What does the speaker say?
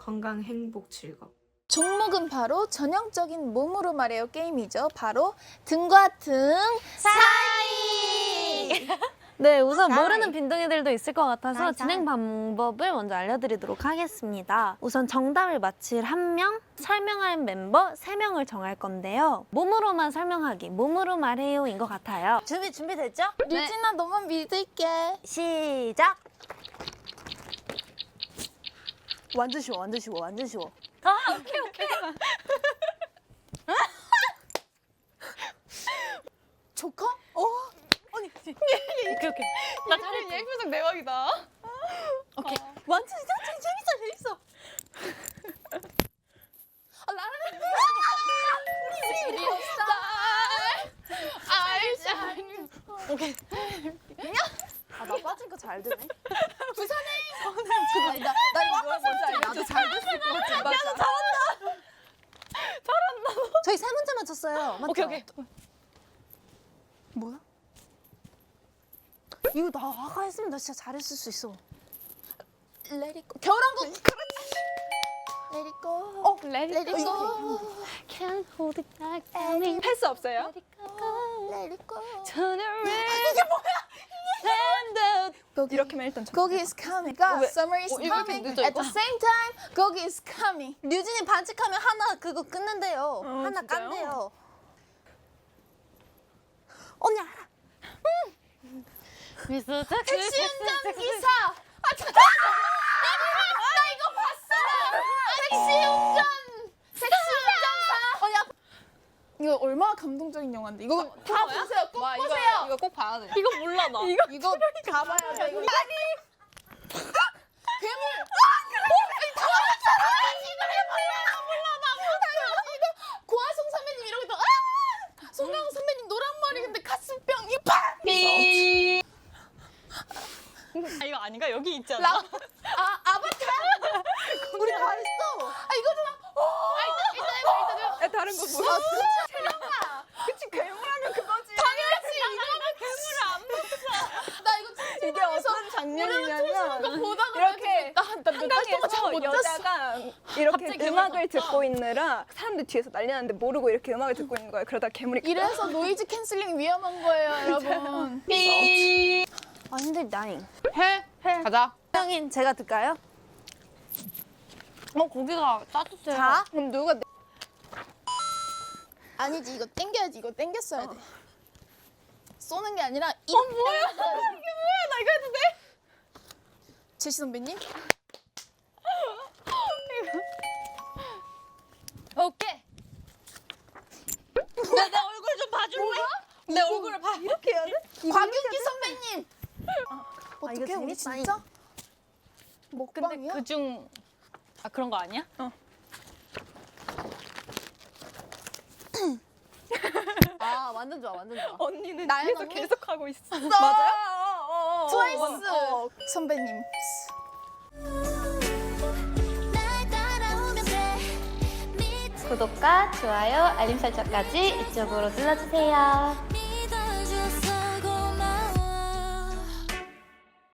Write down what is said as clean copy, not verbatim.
건강, 행복, 즐겁. 종목은 바로 전형적인 몸으로 말해요 게임이죠. 바로 등과 등 사이. 네, 우선 사이. 모르는 빈둥이들도 있을 것 같아서 사이. 진행 방법을 먼저 알려드리도록 하겠습니다. 우선 정답을 맞힐 1명, 설명할 멤버 3명을 정할 건데요. 몸으로만 설명하기, 몸으로 말해요인 것 같아요. 준비됐죠? 류진아 너만 믿을게. 시작! 완전 쉬워, 완전 쉬워, 완전 쉬워. 조커? 오케이. 나 잘했지? 예쁘상 대박이다. 오케이. 완전 재밌어. 우리 아이샤. 오케이. 아, 나 빠진 거 잘 되네. 부산에. 나 이거 아까 뭔지 알아? 나도 잘 됐을 것 같아. 맞아. 잘한다. 저희 3문제 맞췄어요. 맞죠? 오케이. 뭐야? 이거 나 아까 했으면 나 진짜 잘했을 수 있어. Let it go. 겨울왕국. 그렇지. Let it go. 레디. Let it go. Can't hold it back. 패스 없어요? Let it go. Let it go. Turn around. 이게 뭐야? Stand up. 거기, 이렇게만 일단 거기 is coming. 그러니까 summer is 이거 이렇게 coming. 늦어, At the same time, 거기 is coming. 류진이 반칙하면 하나 그거 끊는데요. 하나 진짜요? 깐대요. 언니 알아. 미스터 택시 운전기사. 아, 진짜. 나 이거 봤어. 택시 운전. 택시 운전사. 야. 이거 얼마나 감동적인 영화인데. 이거 다 보세요. 꼭 와, 보세요. 이거 꼭 봐야 돼. 이거 몰라 나. 이거 다 봐야 돼. 이거. 괴물. 다 맞았잖아. 이거 고아송 선배님 이러고 있다. 송강호 선배님 노란 머리 근데 가슴병 이빨. 아, 이거 아닌가? 여기 있지 않아? 아바타. 우리 다 했어. 이거잖아. 일단 해봐. 다른 거 보여. 그치, 괴물하면 그거지. 당연하지. 이거는 괴물을 안 봤어. 나 이거 진짜 이게 어떤 장면이냐면 보다가 이렇게 한강에서 여자가 이렇게 갑자기 음악을 듣고 있느라 사람들 뒤에서 난리 났는데 모르고 이렇게 음악을 듣고 있는 거예요. 그러다 괴물이 이래서 노이즈 캔슬링 위험한 거예요, 여러분. 아 힘들 나잉. 해. 가자. 형인 제가 들까요? 고기가 따뜻해요. 자, 그럼 누가 아니지 이거 땡겨야지. 이거 땡겼어야 돼. 쏘는 게 아니라 이. 뭐야? 이게 뭐야? 나 이거 해도 돼? 제시 선배님. 오케이. 내 얼굴 좀 봐줄래? 내 얼굴을 봐. 이렇게 해야 돼? 곽윤기 선배님. 이거 어떻게 우리 재밌다, 진짜? 근데 먹방이야? 그중 그런 거 아니야? 아 완전 좋아 완전 좋아. 언니는 나연 뒤에서 언니? 계속 하고 있어. 맞아요? 트와이스 선배님. 구독과 좋아요, 알림 설정까지 이쪽으로 눌러주세요.